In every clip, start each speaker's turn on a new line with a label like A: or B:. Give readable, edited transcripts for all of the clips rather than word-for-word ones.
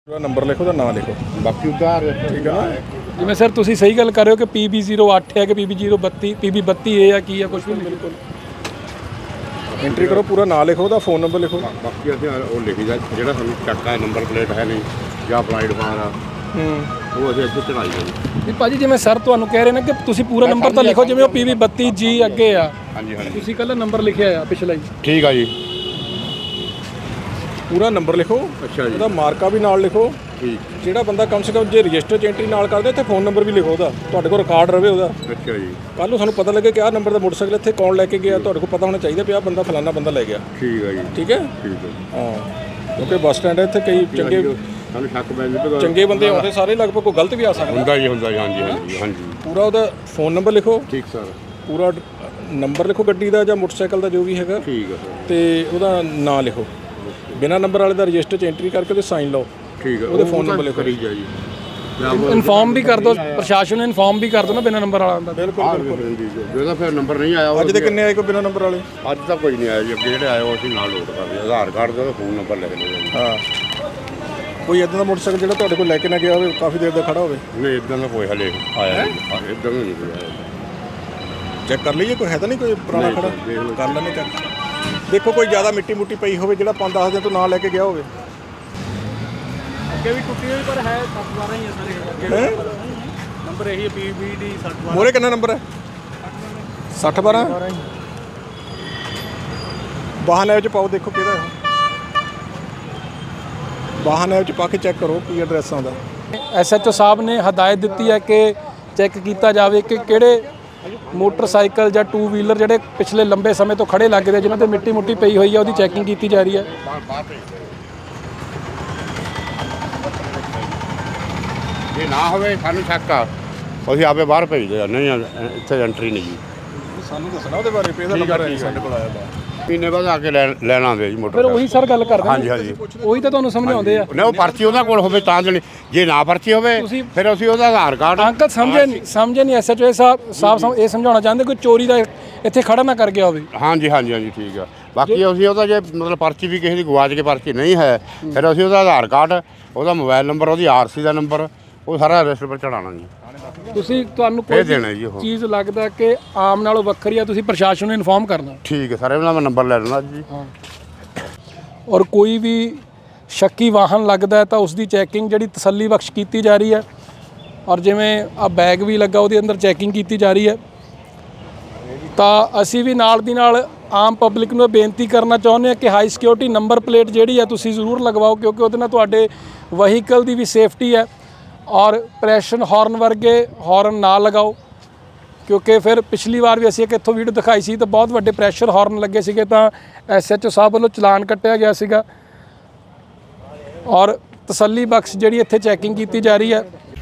A: पूरा नंबर लिखो तो ना लिखो
B: बाकी उधार
A: ठीक है ना।
C: ਜਿਵੇਂ ਸਰ ਤੁਸੀਂ ਸਹੀ ਗੱਲ ਕਰ ਰਹੇ ਹੋ ਕਿ PB08 ਹੈ ਕਿ PB032 PB32 ਹੈ ਜਾਂ ਕੀ ਹੈ ਕੁਝ ਵੀ ਬਿਲਕੁਲ
A: एंट्री करो पूरा ना लिखो तो फोन नंबर लिखो।
B: ਬਾਕੀ ਅਸੀਂ ਉਹ ਲਿਖੀ ਦਾ ਜਿਹੜਾ ਸਾਨੂੰ ਚੱਕਾ ਨੰਬਰ ਪਲੇਟ ਹੈ ਨਹੀਂ ਜਾਂ ਅਪਲਾਈਡ ਮਾਰ ਆ ਉਹ ਅਸੀਂ ਇੱਥੇ ਚੜਾਈ ਦਾ ਜੀ।
C: ਨਹੀਂ ਭਾਜੀ ਜਿਵੇਂ ਸਰ ਤੁਹਾਨੂੰ ਕਹਿ ਰਹੇ ਨੇ ਕਿ ਤੁਸੀਂ ਪੂਰਾ ਨੰਬਰ ਤਾਂ ਲਿਖੋ ਜਿਵੇਂ ਉਹ PB32G ਅੱਗੇ ਆ।
B: ਹਾਂਜੀ ਹਾਂਜੀ
C: ਤੁਸੀਂ ਕੱਲਾ ਨੰਬਰ ਲਿਖਿਆ ਆ ਪਿਛਲਾ ਹੀ।
B: ਠੀਕ ਆ ਜੀ।
A: पूरा नंबर लिखो
B: ਅੱਛਾ ਜੀ
A: ਉਹਦਾ ਮਾਰਕਾ ਵੀ ਨਾਲ ਲਿਖੋ।
B: ਠੀਕ
A: ਜਿਹੜਾ ਬੰਦਾ ਕਮ ਸੇ ਕਮ ਜੇ ਰਜਿਸਟਰ 'ਚ ਐਂਟਰੀ ਨਾਲ ਕਰਦੇ ਇੱਥੇ ਫੋਨ ਨੰਬਰ ਵੀ ਲਿਖੋ ਉਹਦਾ, ਤੁਹਾਡੇ ਕੋਲ ਰਿਕਾਰਡ ਰਵੇ ਉਹਦਾ।
B: ਅੱਛਾ ਜੀ
A: ਕੱਲ੍ਹ ਨੂੰ ਸਾਨੂੰ ਪਤਾ ਲੱਗੇ ਕਿ ਆਹ ਨੰਬਰ ਦਾ ਮੋਟਰਸਾਈਕਲ ਇੱਥੇ ਕੌਣ ਲੈ ਕੇ ਗਿਆ, ਤੁਹਾਡੇ ਕੋਲ ਪਤਾ ਹੋਣਾ ਚਾਹੀਦਾ ਵੀ ਆਹ ਬੰਦਾ ਫਲਾਨਾ ਬੰਦਾ ਲੈ ਗਿਆ।
B: ਠੀਕ ਆ ਜੀ
A: ਠੀਕ ਹੈ
B: ਠੀਕ ਹੈ
A: ਹਾਂ, ਕਿਉਂਕਿ ਬੱਸ ਸਟੈਂਡ ਹੈ ਇੱਥੇ ਕਈ ਚੰਗੇ
B: ਸਾਨੂੰ ਸ਼ੱਕ ਪੈ ਜਾਂਦਾ
A: ਚੰਗੇ ਬੰਦੇ ਆਉਂਦੇ ਸਾਰੇ, ਲਗਭਗ ਕੋਈ ਗਲਤ ਵੀ ਆ ਸਕਦਾ।
B: ਹੁੰਦਾ ਜੀ ਹਾਂਜੀ ਹਾਂਜੀ ਹਾਂਜੀ
A: ਪੂਰਾ ਉਹਦਾ ਫੋਨ ਨੰਬਰ ਲਿਖੋ,
B: ਠੀਕ ਸਰ
A: ਪੂਰਾ ਨੰਬਰ ਲਿਖੋ ਗੱਡੀ ਦਾ ਜਾਂ ਮੋਟਰਸਾਈਕਲ ਦਾ ਜੋ ਵੀ ਹੈਗਾ,
B: ਠੀਕ ਆ ਸਰ
A: ਤੇ ਉਹਦਾ ਨਾਂ ਲਿਖੋ। ਬਿਨਾਂ ਨੰਬਰ ਵਾਲੇ ਦਾ ਰਜਿਸਟਰ 'ਚ ਐਂਟਰੀ ਕਰਕੇ ਉਹਦੇ ਸਾਈਨ ਲਓ।
B: ਠੀਕ ਆ
A: ਉਹਦੇ ਫੋਨ ਨੰਬਰ ਲਿਖੋ।
B: ਕਰੀ ਜਾ ਜੀ
C: ਇਨਫਾਰਮ ਵੀ ਕਰ ਦਿਓ, ਪ੍ਰਸ਼ਾਸਨ ਨੂੰ ਇਨਫਾਰਮ ਵੀ ਕਰ ਦਿਓ ਨਾ ਬਿਨਾਂ ਨੰਬਰ ਵਾਲਾ ਦਾ।
A: ਬਿਲਕੁਲ
B: ਜਿਹਦਾ ਫਿਰ ਨੰਬਰ ਨਹੀਂ ਆਇਆ
A: ਅੱਜ ਦੇ ਕਿੰਨੇ ਆਏ ਕੋਈ ਬਿਨਾਂ ਨੰਬਰ ਵਾਲੇ?
B: ਅੱਜ ਤਾਂ ਕੋਈ ਨਹੀਂ ਆਇਆ ਜੀ। ਅੱਗੇ ਜਿਹੜੇ ਆਏ ਉਹ ਅਸੀਂ ਨਾਲ ਲੋਡ ਕਰਦੇ ਆਧਾਰ ਕਾਰਡ ਦਾ ਫੋਨ ਨੰਬਰ ਲਿਖ ਲਿਆ ਜੀ।
A: ਹਾਂ, ਕੋਈ ਇਦਾਂ ਦਾ ਮੋਟਰਸਾਈਕਲ ਜਿਹੜਾ ਤੁਹਾਡੇ ਕੋਲ ਲੈ ਕੇ ਨਾ ਗਿਆ ਹੋਵੇ, ਕਾਫੀ ਦੇਰ ਦਾ ਖੜਾ ਹੋਵੇ?
B: ਨਹੀਂ ਇਦਾਂ ਦਾ ਕੋਈ ਹਲੇ ਆਇਆ ਨਹੀਂ, ਇਦਾਂ ਦਾ ਨਹੀਂ ਕੋਈ ਆਇਆ।
A: ਚੈੱਕ ਕਰ ਲਈਏ, ਕੋਈ ਹੈ ਤਾਂ ਨਹੀਂ ਕੋਈ ਪੁਰਾਣਾ ਖੜਾ?
B: ਦੇਖ ਲਓ।
A: ਕਰ ਲੈਣੇ ਚੈੱਕ। ਦੇਖੋ ਕੋਈ ਜ਼ਿਆਦਾ ਮਿੱਟੀ ਮੁੱਟੀ ਪਈ ਹੋਵੇ ਜਿਹੜਾ 5-10 ਦਿਨ ਤੋਂ ਨਾ ਲੈ ਕੇ ਗਿਆ ਹੋਵੇ।
C: ਅੱਗੇ ਵੀ ਟੁੱਟੀ ਹੋਈ ਪਰ ਹੈ 7-12 ਹੀ ਹੈ ਸਾਰੇ। ਨੰਬਰ ਇਹੀ ਹੈ PBD 712।
A: ਮੋਰੇ ਕਿੰਨਾ ਨੰਬਰ ਹੈ? 6012 ਵਾਹਨ ਐਪ 'ਚ ਪਾਓ, ਦੇਖੋ ਕਿਹਦਾ ਹੈ। ਵਾਹਨ ਐਪ 'ਚ ਪਾ ਕੇ ਚੈੱਕ ਕਰੋ ਕੀ ਐਡਰੈਸ ਆਉਂਦਾ।
C: SHO ਸਾਹਿਬ ਨੇ ਹਦਾਇਤ ਦਿੱਤੀ ਹੈ ਕਿ ਚੈੱਕ ਕੀਤਾ ਜਾਵੇ ਕਿ ਕਿਹੜੇ ਮੋਟਰਸਾਈਕਲ ਜਾਂ 2 ਵੀਲਰ ਜਿਹੜੇ ਪਿਛਲੇ ਲੰਬੇ ਸਮੇਂ ਤੋਂ ਖੜੇ ਲੱਗ ਰਹੇ, ਜਿਨ੍ਹਾਂ ਤੇ ਮਿੱਟੀ ਮੁੱਟੀ ਪਈ ਹੋਈ ਹੈ, ਉਹਦੀ ਚੈਕਿੰਗ ਕੀਤੀ ਜਾ ਰਹੀ ਹੈ।
B: ਜੇ ਨਾ ਹੋਵੇ ਸਾਨੂੰ ਸ਼ੱਕ ਆ, ਅਸੀਂ ਆਪੇ ਬਾਹਰ ਭੇਜਦੇ ਆ। ਨਹੀਂ ਇੱਥੇ ਐਂਟਰੀ ਨਹੀਂ ਜੀ।
A: ਸਾਨੂੰ ਦੱਸਣਾ ਉਹਦੇ ਬਾਰੇ, ਇਹਦਾ ਨੰਬਰ ਹੈ ਸਾਡੇ ਕੋਲ ਆਇਆ ਦਾ।
B: ਮਹੀਨੇ ਬਾਅਦ ਆ ਕੇ ਲੈਣ ਆਉਂਦੇ ਜੀ
C: ਫਿਰ
B: ਮੋਟਰ।
C: ਉਹੀ ਸਰ ਗੱਲ ਕਰਦੇ
B: ਹਾਂਜੀ ਹਾਂਜੀ
C: ਉਹੀ ਤਾਂ ਤੁਹਾਨੂੰ ਸਮਝਾਉਂਦੇ ਆ।
B: ਨਾ ਉਹ ਪਰਚੀ ਉਹਨਾਂ ਕੋਲ ਹੋਵੇ ਤਾਂ ਜਣੀ, ਜੇ ਨਾ ਪਰਚੀ ਹੋਵੇ ਫਿਰ ਅਸੀਂ ਉਹਦਾ ਆਧਾਰ ਕਾਰਡ।
C: ਅੰਕਲ ਸਮਝੇ ਨਹੀਂ SHO ਸਾਹਿਬ ਇਹ ਸਮਝਾਉਣਾ ਚਾਹੁੰਦੇ ਕੋਈ ਚੋਰੀ ਦਾ ਇੱਥੇ ਖੜਾ ਨਾ ਕਰ ਗਿਆ ਹੋਵੇ।
B: ਹਾਂਜੀ ਹਾਂਜੀ ਹਾਂਜੀ ਠੀਕ ਆ। ਬਾਕੀ ਅਸੀਂ ਉਹਦਾ ਜੇ ਮਤਲਬ ਪਰਚੀ ਵੀ ਕਿਸੇ ਦੀ ਗਵਾਚ ਕੇ ਪਰਚੀ ਨਹੀਂ ਹੈ, ਫਿਰ ਅਸੀਂ ਉਹਦਾ ਆਧਾਰ ਕਾਰਡ, ਉਹਦਾ ਮੋਬਾਈਲ ਨੰਬਰ, ਉਹਦੀ RC ਦਾ ਨੰਬਰ, ਉਹ ਸਾਰਾ ਰਜਿਸਟਰ ਪਰ ਚੜਾਉਣਾ ਜੀ।
C: ਤੁਹਾਨੂੰ
B: ਇਹ ਦੇਣਾ ਜੀ ਉਹ
C: ਚੀਜ਼ ਲੱਗਦਾ ਕਿ ਆਮ ਨਾਲੋਂ ਵੱਖਰੀ ਆ, ਤੁਸੀਂ ਪ੍ਰਸ਼ਾਸਨ ਨੂੰ ਇਨਫਾਰਮ ਕਰਨਾ।
B: ਠੀਕ ਹੈ ਸਰ, ਇਹਨਾਂ ਦਾ ਮੈਂ ਨੰਬਰ ਲੈ ਲੈਣਾ ਜੀ।
C: ਔਰ ਕੋਈ ਵੀ ਸ਼ੱਕੀ ਵਾਹਨ ਲੱਗਦਾ ਤਾਂ ਉਸ ਦੀ ਚੈਕਿੰਗ ਜਿਹੜੀ ਤਸੱਲੀ ਬਖਸ਼ ਕੀਤੀ ਜਾ ਰਹੀ ਹੈ। ਔਰ ਜਿਵੇਂ ਆ ਬੈਗ ਵੀ ਲੱਗਾ, ਉਹਦੇ ਅੰਦਰ ਚੈਕਿੰਗ ਕੀਤੀ ਜਾ ਰਹੀ ਹੈ। ਤਾਂ ਅਸੀਂ ਵੀ ਨਾਲ ਦੀ ਨਾਲ ਆਮ ਪਬਲਿਕ ਨੂੰ ਬੇਨਤੀ ਕਰਨਾ ਚਾਹੁੰਦੇ ਹਾਂ ਕਿ ਹਾਈ ਸਿਕਿਉਰਿਟੀ ਨੰਬਰ ਪਲੇਟ ਜਿਹੜੀ ਹੈ ਤੁਸੀਂ ਜ਼ਰੂਰ ਲਗਵਾਓ, ਕਿਉਂਕਿ ਉਹਦੇ ਨਾਲ ਤੁਹਾਡੇ ਵਹੀਕਲ ਦੀ ਵੀ ਸੇਫਟੀ ਹੈ। ਔਰ ਪ੍ਰੈਸ਼ਨ ਹਾਰਨ ਵਰਗੇ ਹਾਰਨ ਨਾ ਲਗਾਓ, ਕਿਉਂਕਿ ਫਿਰ ਪਿਛਲੀ ਵਾਰ ਵੀ ਅਸੀਂ ਇੱਕ ਇੱਥੋਂ ਵੀਡੀਓ ਦਿਖਾਈ ਸੀ ਤਾਂ ਬਹੁਤ ਵੱਡੇ ਪ੍ਰੈਸ਼ਰ ਹਾਰਨ ਲੱਗੇ ਸੀਗੇ, ਤਾਂ SHO ਸਾਹਿਬ ਵੱਲੋਂ ਚਲਾਨ ਕੱਟਿਆ ਗਿਆ ਸੀਗਾ। ਔਰ ਤਸੱਲੀ ਬਖਸ਼ ਜਿਹੜੀ ਇੱਥੇ ਚੈਕਿੰਗ ਕੀਤੀ ਜਾ ਰਹੀ ਹੈ।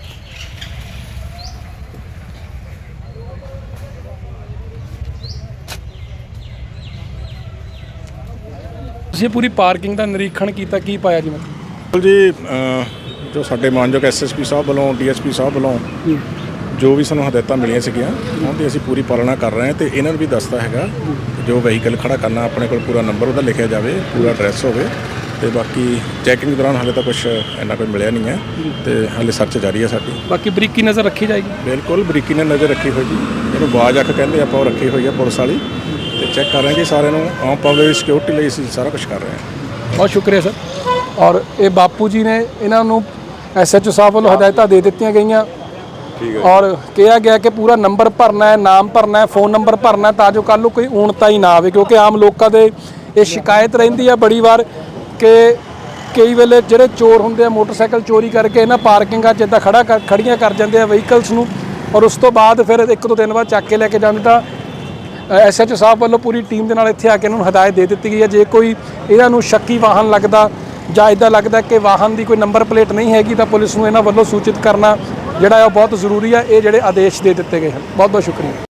C: ਤੁਸੀਂ ਪੂਰੀ ਪਾਰਕਿੰਗ ਦਾ ਨਿਰੀਖਣ ਕੀਤਾ, ਕੀ ਪਾਇਆ ਜੀ?
A: ਬਿਲਕੁਲ ਜੀ, ਜੋ ਸਾਡੇ ਮਾਨਯੋਗ SSP ਸਾਹਿਬ ਵੱਲੋਂ, DSP ਸਾਹਿਬ ਵੱਲੋਂ ਜੋ ਵੀ ਸਾਨੂੰ ਹਦਾਇਤਾਂ ਮਿਲੀਆਂ ਸੀਗੀਆਂ, ਉਹਦੀ ਅਸੀਂ ਪੂਰੀ ਪਾਲਣਾ ਕਰ ਰਹੇ ਹਾਂ। ਤੇ ਇਹਨਾਂ ਨੂੰ ਵੀ ਦੱਸਦਾ ਹੈਗਾ ਜੋ ਵਹੀਕਲ ਖੜਾ ਕਰਨਾ ਆਪਣੇ ਕੋਲ ਪੂਰਾ ਨੰਬਰ ਉਹਦਾ ਲਿਖਿਆ ਜਾਵੇ, ਪੂਰਾ ਐਡਰੈਸ ਹੋਵੇ। ਤੇ ਬਾਕੀ ਚੈਕਿੰਗ ਦੌਰਾਨ ਹਾਲੇ ਤਾਂ ਕੁਝ ਇੰਨਾ ਕੋਈ ਮਿਲਿਆ ਨਹੀਂ ਹੈ, ਤੇ ਹਾਲੇ ਸਰਚ ਜਾਰੀ ਹੈ ਸਾਡੀ।
C: ਬਾਕੀ ਬਰੀਕੀ ਨਜ਼ਰ ਰੱਖੀ ਜਾਏਗੀ।
A: ਬਿਲਕੁਲ ਬਰੀਕੀ ਨਾਲ ਨਜ਼ਰ ਰੱਖੀ ਹੋਈ ਜੀ, ਇਹਨੂੰ ਬਾਜ ਅੱਖ ਕਹਿੰਦੇ ਆਪਾਂ, ਉਹ ਰੱਖੀ ਹੋਈ ਹੈ ਪੁਲਿਸ ਵਾਲੀ, ਤੇ ਚੈੱਕ ਕਰ ਰਹੇ ਜੀ ਸਾਰਿਆਂ ਨੂੰ। ਆਮ ਪਬਲਿਕ ਦੀ ਸਿਕਿਉਰਿਟੀ ਲਈ ਅਸੀਂ ਸਾਰਾ ਕੁਝ ਕਰ ਰਹੇ ਹਾਂ।
C: ਬਹੁਤ ਸ਼ੁਕਰੀਆ ਸਰ। ਔਰ ਇਹ ਬਾਪੂ ਜੀ ਨੇ, ਇਹਨਾਂ ਨੂੰ SHO ਸਾਹਿਬ ਵੱਲੋਂ ਹਦਾਇਤਾਂ ਦੇ ਦਿੱਤੀਆਂ ਗਈਆਂ ਔਰ ਕਿਹਾ ਗਿਆ ਕਿ ਪੂਰਾ ਨੰਬਰ ਭਰਨਾ ਹੈ, ਨਾਮ ਭਰਨਾ ਹੈ, ਫੋਨ ਨੰਬਰ ਭਰਨਾ, ਤਾਂ ਜੋ ਕੱਲ੍ਹ ਨੂੰ ਕੋਈ ਊਣਤਾ ਹੀ ਨਾ ਆਵੇ। ਕਿਉਂਕਿ ਆਮ ਲੋਕਾਂ ਦੇ ਇਹ ਸ਼ਿਕਾਇਤ ਰਹਿੰਦੀ ਹੈ ਬੜੀ ਵਾਰ ਕਿ ਕਈ ਵੇਲੇ ਜਿਹੜੇ ਚੋਰ ਹੁੰਦੇ ਆ ਮੋਟਰਸਾਈਕਲ ਚੋਰੀ ਕਰਕੇ ਇਹਨਾਂ ਪਾਰਕਿੰਗਾਂ 'ਚ ਇੱਦਾਂ ਖੜੀਆਂ ਕਰ ਜਾਂਦੇ ਆ ਵਹੀਕਲਸ ਨੂੰ, ਔਰ ਉਸ ਤੋਂ ਬਾਅਦ ਫਿਰ 1-2 ਦਿਨ ਬਾਅਦ ਚੱਕ ਕੇ ਲੈ ਕੇ ਜਾਂਦੇ। ਤਾਂ SHO ਸਾਹਿਬ ਵੱਲੋਂ ਪੂਰੀ ਟੀਮ ਦੇ ਨਾਲ ਇੱਥੇ ਆ ਕੇ ਇਹਨਾਂ ਨੂੰ ਹਦਾਇਤ ਦੇ ਦਿੱਤੀ ਗਈ ਹੈ, ਜੇ ਕੋਈ ਇਹਨਾਂ ਨੂੰ ਸ਼ੱਕੀ ਵਾਹਨ ਲੱਗਦਾ ਜਾਂ ਇੱਦਾਂ ਲੱਗਦਾ ਕਿ ਵਾਹਨ ਦੀ ਕੋਈ ਨੰਬਰ ਪਲੇਟ ਨਹੀਂ ਹੈਗੀ, ਤਾਂ ਪੁਲਿਸ ਨੂੰ ਇਹਨਾਂ ਵੱਲੋਂ ਸੂਚਿਤ ਕਰਨਾ ਜਿਹੜਾ ਹੈ ਉਹ ਬਹੁਤ ਜ਼ਰੂਰੀ ਹੈ। ਇਹ ਜਿਹੜੇ ਆਦੇਸ਼ ਦੇ ਦਿੱਤੇ ਗਏ ਹਨ। ਬਹੁਤ ਬਹੁਤ ਸ਼ੁਕਰੀਆ।